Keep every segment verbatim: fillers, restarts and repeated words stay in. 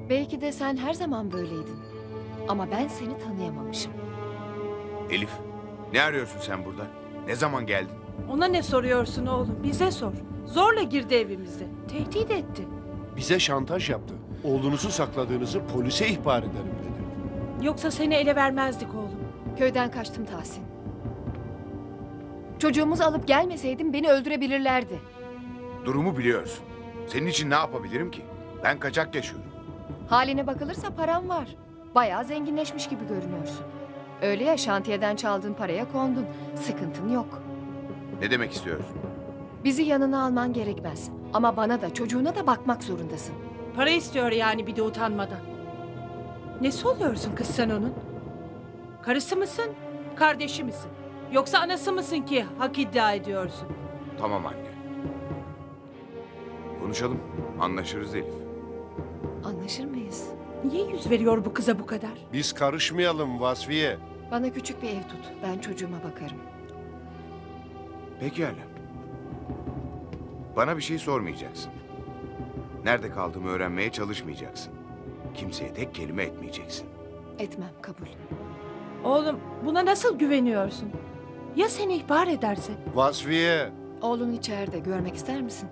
Belki de sen her zaman böyleydin. Ama ben seni tanıyamamışım. Elif, ne arıyorsun sen burada? Ne zaman geldin? Ona ne soruyorsun oğlum? Bize sor. Zorla girdi evimize. Tehdit etti. Bize şantaj yaptı. Oğlunuzu sakladığınızı polise ihbar ederim dedi. Yoksa seni ele vermezdik oğlum. Köyden kaçtım Tahsin. Çocuğumuzu alıp gelmeseydim beni öldürebilirlerdi. Durumu biliyorsun. Senin için ne yapabilirim ki? Ben kaçak yaşıyorum. Haline bakılırsa param var. Bayağı zenginleşmiş gibi görünüyorsun. Öyle ya, şantiyeden çaldığın paraya kondun. Sıkıntın yok. Ne demek istiyorsun? Bizi yanına alman gerekmez. Ama bana da çocuğuna da bakmak zorundasın. Para istiyor yani bir de utanmadan. Nesi oluyorsun kız sen onun? Karısı mısın? Kardeşi misin? Yoksa anası mısın ki hak iddia ediyorsun? Tamam anne. Konuşalım. Anlaşırız Elif. Anlaşır mıyız? Niye yüz veriyor bu kıza bu kadar? Biz karışmayalım Vasfiye. Bana küçük bir ev tut. Ben çocuğuma bakarım. Pekala. Bana bir şey sormayacaksın. Nerede kaldığımı öğrenmeye çalışmayacaksın. Kimseye tek kelime etmeyeceksin. Etmem, kabul. Oğlum buna nasıl güveniyorsun? Ya seni ihbar ederse? Vasfiye. Oğlun içeride. Görmek ister misin?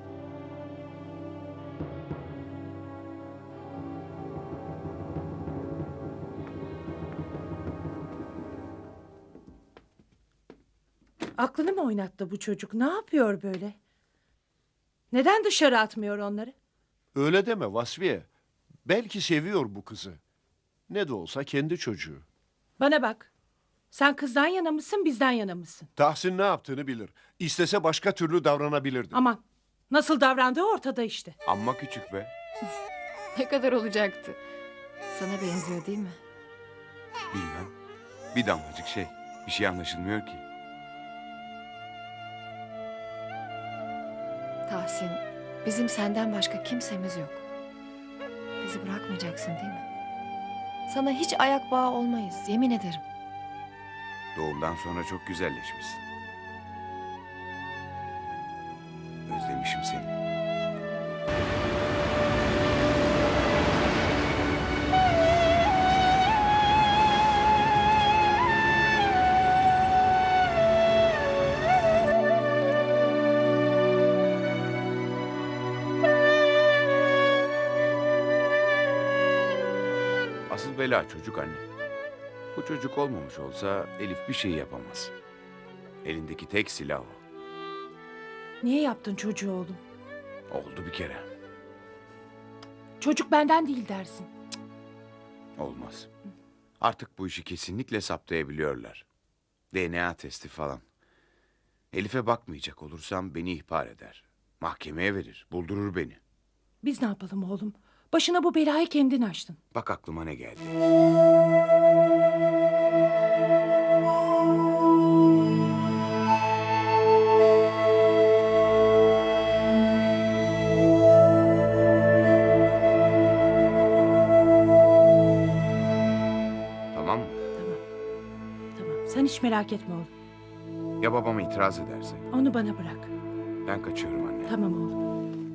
Aklını mı oynattı bu çocuk? Ne yapıyor böyle? Neden dışarı atmıyor onları? Öyle deme Vasfiye. Belki seviyor bu kızı. Ne de olsa kendi çocuğu. Bana bak. Sen kızdan yana mısın, bizden yana mısın? Tahsin ne yaptığını bilir. İstese başka türlü davranabilirdi. Aman, nasıl davrandığı ortada işte. Amma küçük be. Ne kadar olacaktı? Sana benziyor değil mi? Bilmem. Bir damlacık şey. Bir şey anlaşılmıyor ki. Tahsin, bizim senden başka kimsemiz yok. Bizi bırakmayacaksın değil mi? Sana hiç ayak bağı olmayız, yemin ederim. Doğumdan sonra çok güzelleşmişsin. Özlemişim seni. Asıl bela çocuk anne. Bu çocuk olmamış olsa Elif bir şey yapamaz. Elindeki tek silah o. Niye yaptın çocuğu oğlum? Oldu bir kere. Çocuk benden değil dersin. Olmaz. Artık bu işi kesinlikle saptayabiliyorlar. D N A testi falan. Elif'e bakmayacak olursam beni ihbar eder. Mahkemeye verir, buldurur beni. Biz ne yapalım oğlum? Başına bu belayı kendin açtın. Bak aklıma ne geldi. Tamam mı? Tamam. Tamam. Sen hiç merak etme oğlum. Ya babama itiraz ederse? Onu bana bırak. Ben kaçıyorum anne. Tamam oğlum.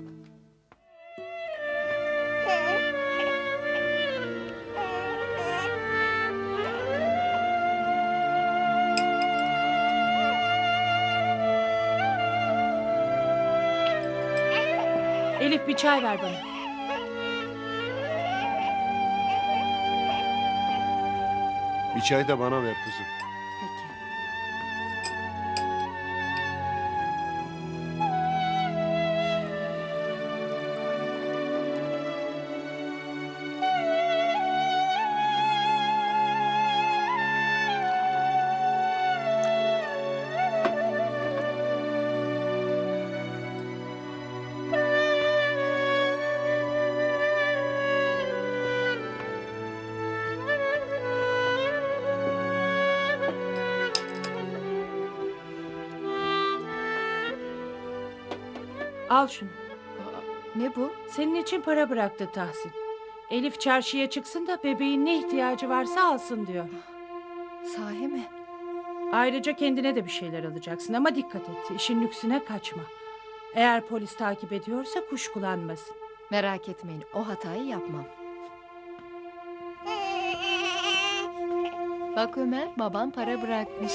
Elif bir çay ver bana. Bir çay da bana ver kızım. Peki. Al şunu. Ne bu? Senin için para bıraktı Tahsin. Elif çarşıya çıksın da bebeğin ne ihtiyacı varsa alsın diyor. Sahi mi? Ayrıca kendine de bir şeyler alacaksın ama dikkat et. İşin lüksüne kaçma. Eğer polis takip ediyorsa kuşkulanmasın. Merak etmeyin, o hatayı yapmam. Bak Ömer, baban para bırakmış.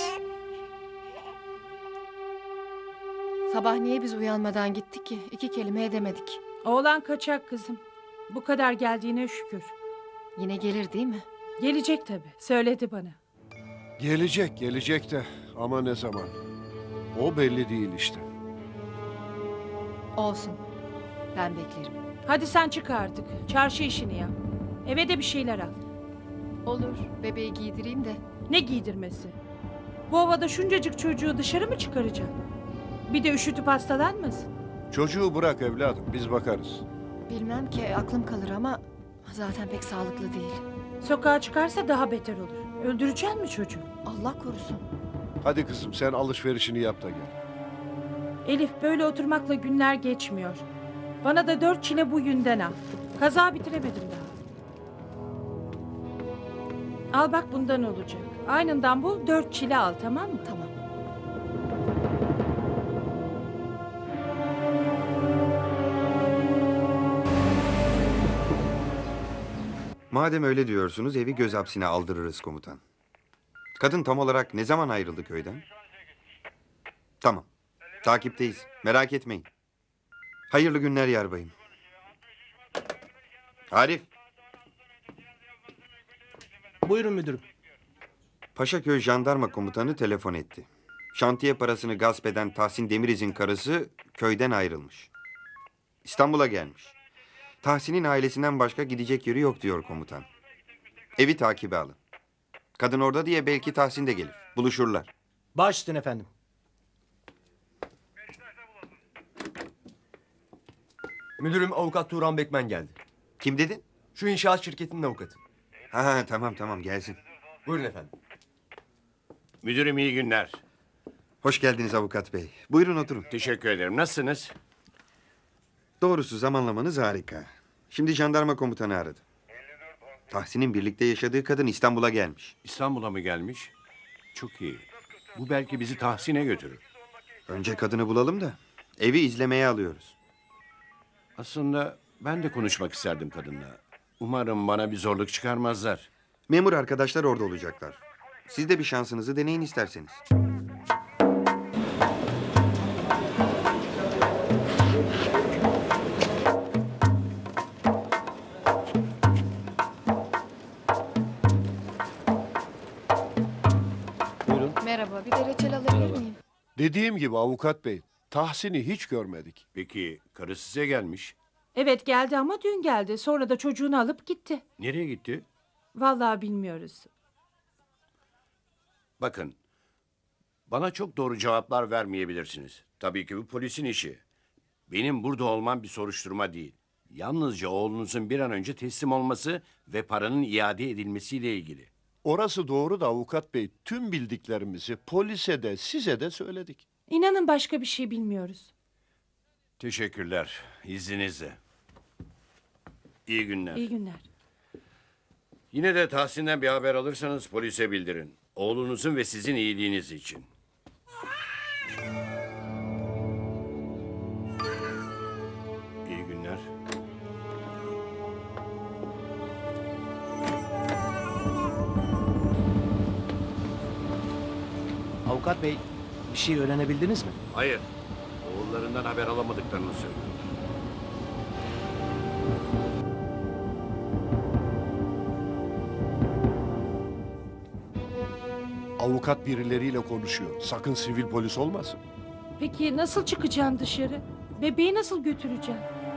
Sabah niye biz uyanmadan gittik ki? İki kelime edemedik. Oğlan kaçak kızım. Bu kadar geldiğine şükür. Yine gelir değil mi? Gelecek tabii. Söyledi bana. Gelecek, gelecek de ama ne zaman? O belli değil işte. Olsun. Ben beklerim. Hadi sen çık artık. Çarşı işini yap. Eve de bir şeyler al. Olur. Bebeği giydireyim de. Ne giydirmesi? Bu havada şuncacık çocuğu dışarı mı çıkaracaksın? Bir de üşütüp hastalanmasın. Çocuğu bırak evladım, biz bakarız. Bilmem ki aklım kalır ama zaten pek sağlıklı değil. Sokağa çıkarsa daha beter olur. Öldüreceksin mi çocuğu? Allah korusun. Hadi kızım sen alışverişini yap da gel. Elif, böyle oturmakla günler geçmiyor. Bana da dört çile bu yünden al. Kaza bitiremedim daha. Al bak, bundan olacak. Aynından bul, dört çile al, tamam mı? Tamam. Madem öyle diyorsunuz evi göz hapsine aldırırız komutan. Kadın tam olarak ne zaman ayrıldı köyden? Tamam. Takipteyiz. Merak etmeyin. Hayırlı günler yarbayım. Arif. Buyurun müdürüm. Paşaköy Jandarma Komutanı telefon etti. Şantiye parasını gasp eden Tahsin Demiriz'in karısı köyden ayrılmış. İstanbul'a gelmiş. Tahsin'in ailesinden başka gidecek yeri yok diyor komutan. Evi takibe alın. Kadın orada diye belki Tahsin de gelir. Buluşurlar. Baş üstüne efendim. Müdürüm avukat Turan Bekmen geldi. Kim dedin? Şu inşaat şirketinin avukatı. Ha, ha tamam tamam gelsin. Buyurun efendim. Müdürüm iyi günler. Hoş geldiniz avukat bey. Buyurun oturun. Teşekkür ederim. Nasılsınız? Doğrusu zamanlamanız harika. Şimdi jandarma komutanı aradı. Tahsin'in birlikte yaşadığı kadın İstanbul'a gelmiş. İstanbul'a mı gelmiş? Çok iyi. Bu belki bizi Tahsin'e götürür. Önce kadını bulalım da evi izlemeye alıyoruz. Aslında ben de konuşmak isterdim kadınla. Umarım bana bir zorluk çıkarmazlar. Memur arkadaşlar orada olacaklar. Siz de bir şansınızı deneyin isterseniz. Buyurun. Merhaba. Bir de reçel alabilir miyim? Dediğim gibi avukat bey, Tahsin'i hiç görmedik. Peki karı size gelmiş. Evet, geldi ama dün geldi. Sonra da çocuğunu alıp gitti. Nereye gitti? Vallahi bilmiyoruz. Bakın. Bana çok doğru cevaplar vermeyebilirsiniz. Tabii ki bu polisin işi. Benim burada olmam bir soruşturma değil. Yalnızca oğlunuzun bir an önce teslim olması ve paranın iade edilmesiyle ilgili. Orası doğru da avukat bey, tüm bildiklerimizi polise de size de söyledik. İnanın başka bir şey bilmiyoruz. Teşekkürler. İzninizle. İyi günler. İyi günler. Yine de Tahsin'den bir haber alırsanız polise bildirin. Oğlunuzun ve sizin iyiliğiniz için. İyi günler. Avukat bey, bir şey öğrenebildiniz mi? Hayır. Oğullarından haber alamadıklarını söylüyor. Avukat birileriyle konuşuyor. Sakın sivil polis olmasın. Peki nasıl çıkacaksın dışarı? Bebeği nasıl götüreceksin?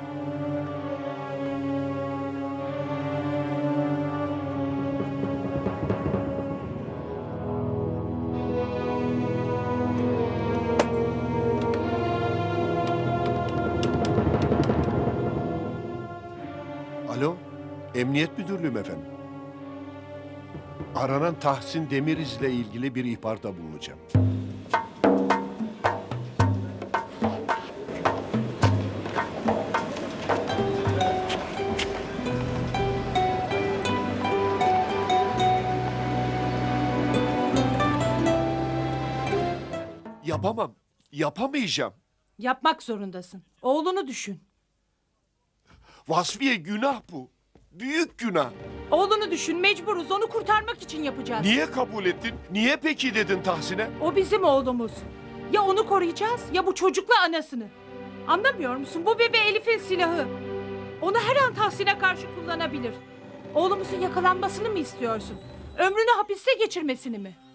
Alo, Emniyet Müdürlüğüm efendim. Aranan Tahsin Demiriz'le ilgili bir ihbarda bulunacağım. Yapamam, yapamayacağım. Yapmak zorundasın. Oğlunu düşün. Vasfiye günah bu. Büyük günah. Oğlunu düşün, mecburuz. Onu kurtarmak için yapacağız. Niye kabul ettin? Niye peki dedin Tahsin'e? O bizim oğlumuz. Ya onu koruyacağız ya bu çocukla anasını. Anlamıyor musun? Bu bebe Elif'in silahı. Onu her an Tahsin'e karşı kullanabilir. Oğlumuzun yakalanmasını mı istiyorsun? Ömrünü hapiste geçirmesini mi?